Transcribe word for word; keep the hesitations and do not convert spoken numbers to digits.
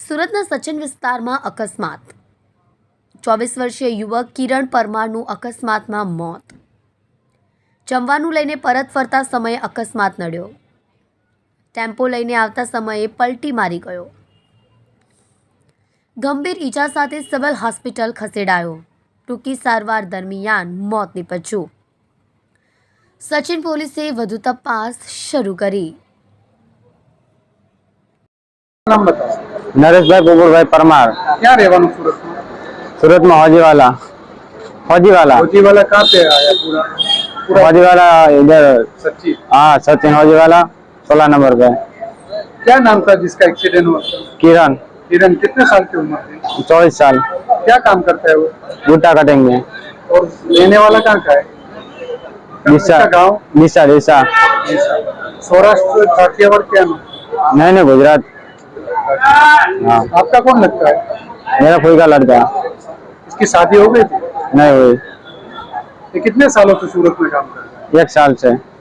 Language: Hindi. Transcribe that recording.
સુરતના સચિન વિસ્તારમાં અકસ્માત। ચોવીસ વર્ષીય યુવક કિરણ પરમારનું અકસ્માતમાં મોત। જમવાનું લઈને પરત ફરતા સમયે અકસ્માત નડ્યો। ટેમ્પો લઈને આવતા સમયે પલટી મારી ગયો। ગંભીર ઈજા સાથે સિવિલ હોસ્પિટલ ખસેડાયો। ટૂંકી સારવાર દરમિયાન મોત નીપજ્યું। સચિન પોલીસે વધુ તપાસ શરૂ કરી। नाम बताओ। नरेश भाई गोकुल भाई परमार। क्या रहवानु सूरत में? सूरत में हौजी वाला हौजी वाला फौजी वाला कहाँ पे आया पूरा पूरा हौजी वाला इधर सच्ची। हाँ सचिन हौजी वाला सोलह नंबर पे। क्या नाम था जिसका एक्सीडेंट हुआ? किरण किरण कितने साल की उम्र थी? चौबीस साल। क्या काम करता है वो? बूटा कटेंगे। और लेने वाला कहाँ का है? दिशा इसका गाँव? दिशा दिशा सौराष्ट्र काठियावाड़ क्या नाम? नहीं नहीं गुजरात। हाँ आपका कौन लगता है? मेरा कोई का लड़का इसकी शादी हो गई थी? नहीं हुई। ये कितने सालों से सूरत में काम कर रहा है? एक साल से।